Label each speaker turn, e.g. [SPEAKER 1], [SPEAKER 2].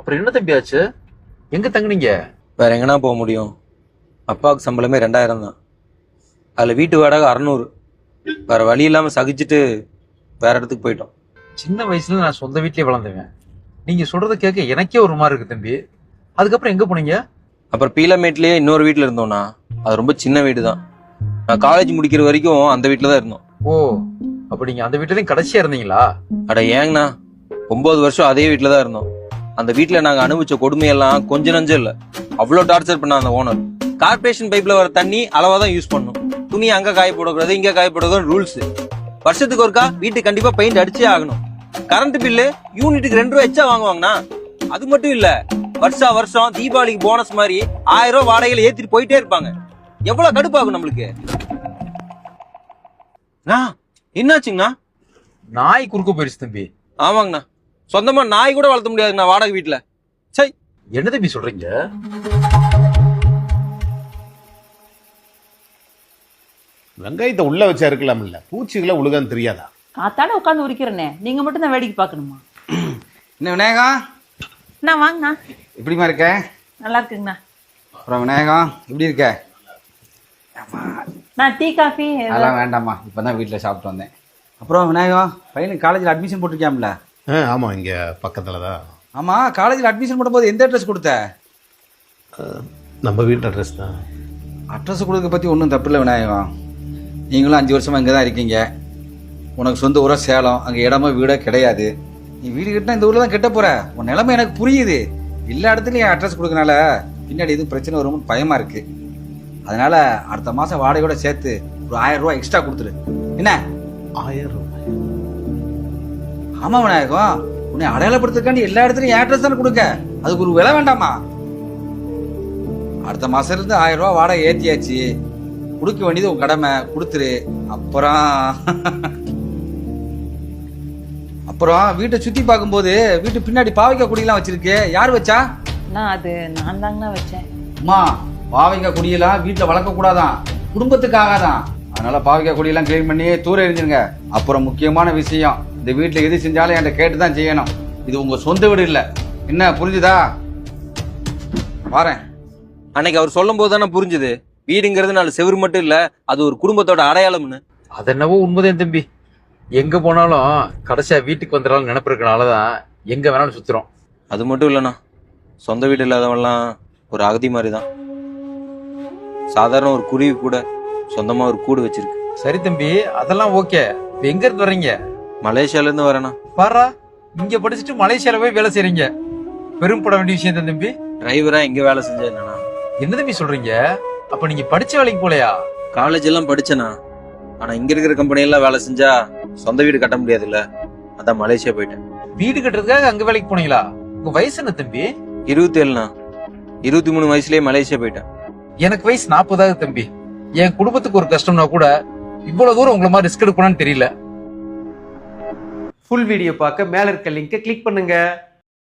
[SPEAKER 1] அப்புறம் என்ன தம்பி ஆச்சு? எங்க தங்குனீங்க?
[SPEAKER 2] வேற எங்கன்னா போக முடியும்? அப்பாவுக்கு சம்பளமே 2000 தான். அதில் வீட்டு வாடகை 600. வேற வழி இல்லாமல் சகிச்சுட்டு வேற இடத்துக்கு போயிட்டோம்.
[SPEAKER 1] சின்ன வயசுல நான் சொந்த வீட்லயே வளர்ந்துவேன். நீங்க சொல்றத கேட்க எனக்கே ஒரு மாதிரி இருக்கு தம்பி. அதுக்கப்புறம் எங்க போனீங்க?
[SPEAKER 2] அப்புறம் பீலமேட்லேயே இன்னொரு வீட்டில் இருந்தோம்னா, அது ரொம்ப சின்ன வீடு தான். நான் காலேஜ் முடிக்கிற வரைக்கும் அந்த வீட்டில் தான் இருந்தோம்.
[SPEAKER 1] ஓ, அப்ப நீங்க அந்த வீட்டுலயும் கடைசியா இருந்தீங்களா?
[SPEAKER 2] அட ஏங்கண்ணா, 9 வருஷம் அதே வீட்டில் தான் இருந்தோம். அந்த வீட்டில் நாங்கள் அனுபவிச்ச கொடுமையெல்லாம் கொஞ்சம் நஞ்சம் இல்லை. அவ்வளோ டார்ச்சர் பண்ண அந்த ஓனர். கார்பரேஷன் பைப்ல வர தண்ணி அளவா தான் யூஸ் பண்ணும். துணி அங்க காய போடக்கூடாது, இங்க காய போடக்கூடாது ரூல்ஸ். வருஷத்துக்கு ஒருக்கா வீட்டுக்கு கண்டிப்பா பெயிண்ட் அடிச்சே ஆகணும். கரண்ட் பில்லு யூனிட்டுக்கு 2 ரூபாய் எச்சா வாங்குவாங்கண்ணா. அது மட்டும் இல்ல, வருஷம் தீபாவளிக்கு போனஸ் மாதிரி 1000 ரூபாய் வாடகையில ஏத்திட்டு போயிட்டே இருப்பாங்க. எவ்வளவு கடுப்பாகும் நம்மளுக்கு. என்னாச்சுங்கண்ணா?
[SPEAKER 1] நாய் குறுக்க போயிருச்சு தம்பி.
[SPEAKER 2] ஆமாங்கண்ணா, சொந்தமா நாய் கூட வளர்த்த முடியாதுங்கண்ணா வாடகை வீட்டுல. சை,
[SPEAKER 1] என்ன தம்பி சொல்றீங்க?
[SPEAKER 3] வெங்காயத்தை உள்ள வச்சா இருக்கலாம்ல, பூச்சிகளை உழுகான்னு தெரியாதா?
[SPEAKER 4] காத்தாட உட்காந்து உரிக்கிறேனே, நீங்க மட்டும் தான் வேடிக்கை பார்க்கணுமா?
[SPEAKER 5] என்ன விநாயகம்,
[SPEAKER 4] நான் வாங்கண்ணா.
[SPEAKER 5] எப்படிமா இருக்க?
[SPEAKER 4] நல்லா இருக்குங்கண்ணா.
[SPEAKER 5] அப்புறம் விநாயகம் எப்படி இருக்க?
[SPEAKER 4] நான் டீ காஃபி
[SPEAKER 5] அதெல்லாம் வேண்டாம்மா, இப்போ தான் வீட்டில் சாப்பிட்டு வந்தேன். அப்புறம் விநாயகம், பையனுக்கு காலேஜில் அட்மிஷன் போட்டிருக்கியாம்ல?
[SPEAKER 3] ஆமாம், இங்கே பக்கத்தில் தான்.
[SPEAKER 5] ஆமாம், காலேஜில் அட்மிஷன் போடும்போது எந்த அட்ரஸ் கொடுத்த?
[SPEAKER 3] நம்ம வீட்டு அட்ரஸ் தான்.
[SPEAKER 5] அட்ரஸ் கொடுக்க பற்றி ஒன்றும் தப்பு இல்லை விநாயகம். நீங்களும் 5 வருஷமாக இங்கே தான் இருக்கீங்க. உனக்கு சொந்த ஊராக சேலம், அங்கே இடமோ வீடோ கிடையாது. நீ வீடு கட்டினா இந்த ஊரில் தான் கெட்ட போகிற. உன் நிலைமை எனக்கு புரியுது. எல்லா இடத்துலையும் அட்ரஸ் கொடுக்கறனால பின்னாடி எதுவும் பிரச்சனை வரும்னு பயமாக இருக்குது. அதனால் அடுத்த மாதம் வாடகையோட சேர்த்து ஒரு 1000 ரூபா எக்ஸ்ட்ரா கொடுத்துரு. என்ன?
[SPEAKER 3] 1000 ரூபாய்?
[SPEAKER 5] ஆமாம் விநாயகம், உன்னை அடையாளப்படுத்துக்காண்டி எல்லா இடத்துலையும் அட்ரஸ் தானே கொடுக்க. அதுக்கு ஒரு விலை வேண்டாமா? அடுத்த மாதம் இருந்து 1000 ரூபா வாடகை ஏற்றியாச்சு. கொடுக்க வேண்டியது உன் கடமை, கொடுத்துரு. அப்புறம் வீட்டை சுற்றி பார்க்கும்போது வீட்டு பின்னாடி பாவைக்காய் குடியெல்லாம் வச்சிருக்கு. யார் வச்சா?
[SPEAKER 4] அது நான் தாங்கண்ணா வச்சேன்.
[SPEAKER 5] அம்மா, பாவைக்காய் குடியெல்லாம் வீட்டில் வளர்க்கக்கூடாதான், குடும்பத்துக்காகதான். அதனால பாவைக்காய் குடியெல்லாம் கிளீன் பண்ணி தூர எறிஞ்சிருங்க. அப்புறம் முக்கியமான விஷயம், இந்த வீட்டில் எது செஞ்சாலும் என்கிட்ட கேட்டு தான் செய்யணும். இது உங்க சொந்த வீடு இல்லை. என்ன புரிஞ்சுதா? வாரேன்.
[SPEAKER 2] அன்னைக்கு அவர் சொல்லும் போது தானே புரிஞ்சுது, வீடுங்கிறது 4 செவுரு மட்டும் இல்ல, அது ஒரு குடும்பத்தோட அடையாளம்னு.
[SPEAKER 1] அது என்னவோ உண்மைதான் தம்பி. எங்க போனாலும் கடைசியா வீட்டுக்கு வந்துடலாம் நினைப்பு இருக்கனாலதான் எங்க வேணாலும் சுத்துறோம்.
[SPEAKER 2] அது மட்டும் இல்லைண்ணா, சொந்த வீடு இல்லாதவன்லாம் ஒரு அகதி மாதிரி தான். சாதாரண ஒரு குருவி கூட சொந்தமா ஒரு கூடு வச்சிருக்கு.
[SPEAKER 1] சரி தம்பி, அதெல்லாம் ஓகே. இப்ப எங்க இருந்து வர்றீங்க?
[SPEAKER 2] மலேசியால இருந்து வரேண்ணா.
[SPEAKER 1] பாரா, இங்க படிச்சுட்டு மலேசியால போய் வேலை செய்றீங்க. பெரும்பட வேண்டிய விஷயம் தான் தம்பி.
[SPEAKER 2] டிரைவரா எங்க வேலை செஞ்சேன் என்னன்னா?
[SPEAKER 1] என்ன தம்பி சொல்றீங்க? அப்ப நீங்க படிச்ச வேலைக்கு போலையா?
[SPEAKER 2] காலேஜ் எல்லாம் படிச்சேனா, ஆனா இங்க இருக்கிற கம்பெனி எல்லாம் வேலை செஞ்சா சொந்த வீடு கட்ட முடியாது இல்ல, அதான் மலேசியா போயிட்டேன்.
[SPEAKER 1] வீடு கட்டுறதுக்காக அங்க வேலைக்கு போனீங்களா? உங்க வயசு என்ன தம்பி?
[SPEAKER 2] 27ண்ணா. 23 வயசுலயே மலேசியா போயிட்டேன்.
[SPEAKER 1] எனக்கு வயசு 40 தம்பி. என் குடும்பத்துக்கு ஒரு கஷ்டம்னா கூட இவ்வளவு தூரம் உங்களை மாதிரி ரிஸ்க் எடுக்கணும்னு தெரியல.
[SPEAKER 6] ஃபுல் வீடியோ பார்க்க மேல இருக்க லிங்கை கிளிக் பண்ணுங்க.